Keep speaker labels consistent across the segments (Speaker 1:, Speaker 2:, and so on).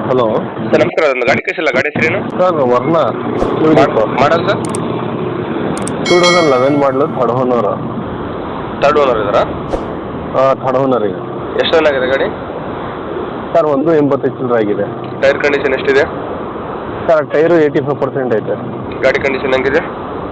Speaker 1: Hello
Speaker 2: sir ನಮಸ್ಕಾರ, ಅದೊಂದು ಗಾಡಿ ಕಳಿಸಿಲ್ಲ, ಗಾಡಿ ಹೆಸರೇನು?
Speaker 1: ಸರ್ ವರ್ಣ
Speaker 2: ಮಾಡಲ್ ಸರ್?
Speaker 1: 2011 ಮಾಡಲು ಥರ್ಡ್ ಓನರ್.
Speaker 2: ಥರ್ಡ್ ಓನರ್ ಇದ್ದಾರಾ?
Speaker 1: ಥರ್ಡ್ ಓನರ್ ಈಗ.
Speaker 2: ಎಷ್ಟು ರನ್ ಆಗಿದೆ ಗಾಡಿ?
Speaker 1: ಸರ್ 185 ಚಿಲ್ಲರೆ ಆಗಿದೆ.
Speaker 2: ಟೈರ್ ಕಂಡೀಷನ್ ಎಷ್ಟಿದೆ?
Speaker 1: ಸರ್ ಟೈರು 85% ಐತೆ.
Speaker 2: ಗಾಡಿ ಕಂಡೀಷನ್ ಹೆಂಗಿದೆ?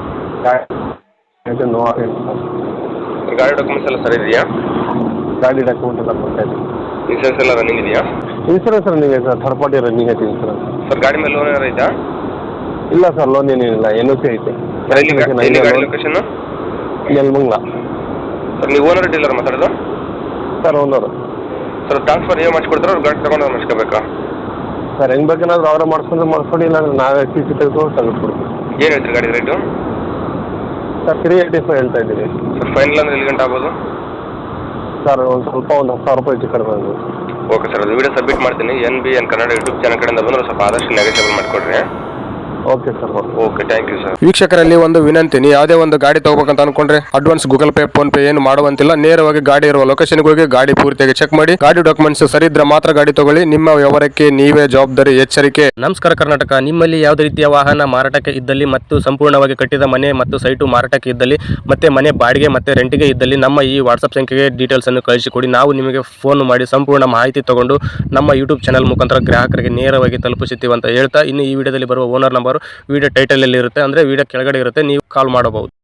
Speaker 1: ನೋ
Speaker 2: ಗಾಡಿ ಡಾಕ್ಯುಮೆಂಟ್ಸ್ ಎಲ್ಲ ಸರಿ ಇದೆಯಾ?
Speaker 1: ಗಾಡಿ ಡಾಕ್ಯುಮೆಂಟ್ ಎಲ್ಲ ಕೊಡ್ತಾಯಿದೆ.
Speaker 2: ಇನ್ಸೂರೆನ್ಸ್ ಎಲ್ಲ ರನ್ನಿಂಗ್ ಇದೆಯಾ?
Speaker 1: ಇನ್ಸೂರೆನ್ಸ್ ರನ್ನಿಂಗ್ ಐತೆ ಸರ್, ಥರ್ಡ್ ಪಾರ್ಟಿ ರನ್ನಿಂಗ್ ಐತೆ ಇನ್ಸೂರೆನ್ಸ್.
Speaker 2: ಸರ್ ಗಾಡಿ ಮೇಲೆ ಲೋನ್ ಏನಾರು ಐತಾ?
Speaker 1: ಇಲ್ಲ ಸರ್, ಲೋನ್ ಏನೇನಿಲ್ಲ, NOC ಐತೆ.
Speaker 2: ಗಾಡಿ ಲೊಕೇಶನ್?
Speaker 1: ನೆಲಮಂಗಲ.
Speaker 2: ಸರ್ ನೀವು ಓನರ್ ಡೀಲರ್ ಮಾತಾಡೋದು?
Speaker 1: Sir owner.
Speaker 2: ಸರ್ ಟ್ರಾನ್ಸ್ಫರ್ ನೀವು ಮಾಡಿಸ್ಕೊಡ್ತಾರೆ, ಅವ್ರು ಗಾಡಿ ತಗೊಂಡು ಮಾಡಿಸ್ಕೋಬೇಕಾ?
Speaker 1: ಸರ್ ಹೆಂಗೆ ಬೇಕೇನಾದ್ರು ಅವರೇ ಮಾಡಿಸ್ಕೊಂಡು ಇಲ್ಲಾಂದ್ರೆ ನಾವೇ CC ತೆಗೆದುಕೊಂಡು ತೆಗೆದುಕೊಡ್ತೀವಿ.
Speaker 2: ಏನು ಹೇಳ್ತೀರಿ ಗಾಡಿ ರೇಟು?
Speaker 1: ಸರ್ 385 ಹೇಳ್ತಾ ಇದ್ದೀವಿ.
Speaker 2: ಸರ್ ಫೈನಲ್ ಅಂದ್ರೆ ಎಲ್ಲಿ ಗಂಟೆ ಆಗ್ಬೋದು?
Speaker 1: ಸರ್ ಒಂದು ಸ್ವಲ್ಪ ಒಂದು 10,000 ರೂಪಾಯಿ ಹೆಚ್ಚು ಕಡಿಮೆ ಆಗ್ಬೋದು.
Speaker 2: ಓಕೆ ಸರ್, ಅದು ವಿಡಿಯೋ ಸಬ್ಮಿಟ್ ಮಾಡ್ತೀನಿ. NBN ಕನ್ನಡ ಯೂಟ್ಯೂಬ್ ಚಾನಲ್ ಕಡೆಯಿಂದ ಬಂದರೆ ಸ್ವಲ್ಪ ಆದಷ್ಟು ನೆಗೋಷಿಯಬಲ್ ಮಾಡಿಕೊಡ್ರಿ.
Speaker 1: Okay sir.
Speaker 2: Okay, thank you sir.
Speaker 3: ವೀಕ್ಷಕರಲ್ಲಿ ಒಂದು ವಿನಂತಿ, ನೀವು ಯಾವುದೇ ಒಂದು ಗಾಡಿ ತಗೋಬೇಕಂತ ಅನ್ಕೊಂಡ್ರೆ advance Google Pay PhonePe ಏನು ಮಾಡುವಂತಿಲ್ಲ. ನೇರವಾಗಿ ಗಾಡಿ ಇರುವ ಲೊಕೇಶನ್ಗೆ ಹೋಗಿ ಗಾಡಿ ಪೂರ್ತಿಯಾಗಿ ಚೆಕ್ ಮಾಡಿ, ಗಾಡಿ ಡಾಕ್ಯುಮೆಂಟ್ಸ್ ಸರಿ ಇದ್ರೆ ಮಾತ್ರ ಗಾಡಿ ತಗೊಳ್ಳಿ. ನಿಮ್ಮ ವ್ಯವಹಾರಕ್ಕೆ ನೀವೇ ಜವಾಬ್ದಾರಿ. ಎಚ್ಚರಿಕೆ.
Speaker 4: ನಮಸ್ಕಾರ ಕರ್ನಾಟಕ. ನಿಮ್ಮಲ್ಲಿ ಯಾವುದೇ ರೀತಿಯ ವಾಹನ ಮಾರಾಟಕ್ಕೆ ಇದ್ದಲ್ಲಿ ಮತ್ತು ಸಂಪೂರ್ಣವಾಗಿ ಕಟ್ಟಿದ ಮನೆ ಮತ್ತು ಸೈಟು ಮಾರಾಟಕ್ಕೆ ಇದ್ದಲ್ಲಿ ಮತ್ತೆ ಮನೆ ಬಾಡಿಗೆ ಮತ್ತೆ ರೆಂಟಿಗೆ ಇದ್ದಲ್ಲಿ ನಮ್ಮ ಈ ವಾಟ್ಸಪ್ ಸಂಖ್ಯೆಗೆ ಡೀಟೇಲ್ಸ್ ಅನ್ನು ಕಳಿಸಿಕೊಡಿ. ನಾವು ನಿಮಗೆ ಫೋನ್ ಮಾಡಿ ಸಂಪೂರ್ಣ ಮಾಹಿತಿ ತಗೊಂಡು ನಮ್ಮ ಯೂಟ್ಯೂಬ್ ಚಾನಲ್ ಮುಖಾಂತರ ಗ್ರಾಹಕರಿಗೆ ನೇರವಾಗಿ ತಲುಪಿಸುತ್ತೀವಿ ಅಂತ ಹೇಳ್ತಾ, ಇನ್ನು ಈ ವಿಡಿಯೋದಲ್ಲಿ ಬರುವ ಓನರ್ ನಂಬರ್ ವಿಡಿಯೋ ಟೈಟಲ್ ಅಲ್ಲಿ ಇರುತ್ತೆ, ಅಂದ್ರೆ ವಿಡಿಯೋ ಕೆಳಗಡೆ ಇರುತ್ತೆ, ನೀವು ಕಾಲ್ ಮಾಡಬಹುದು.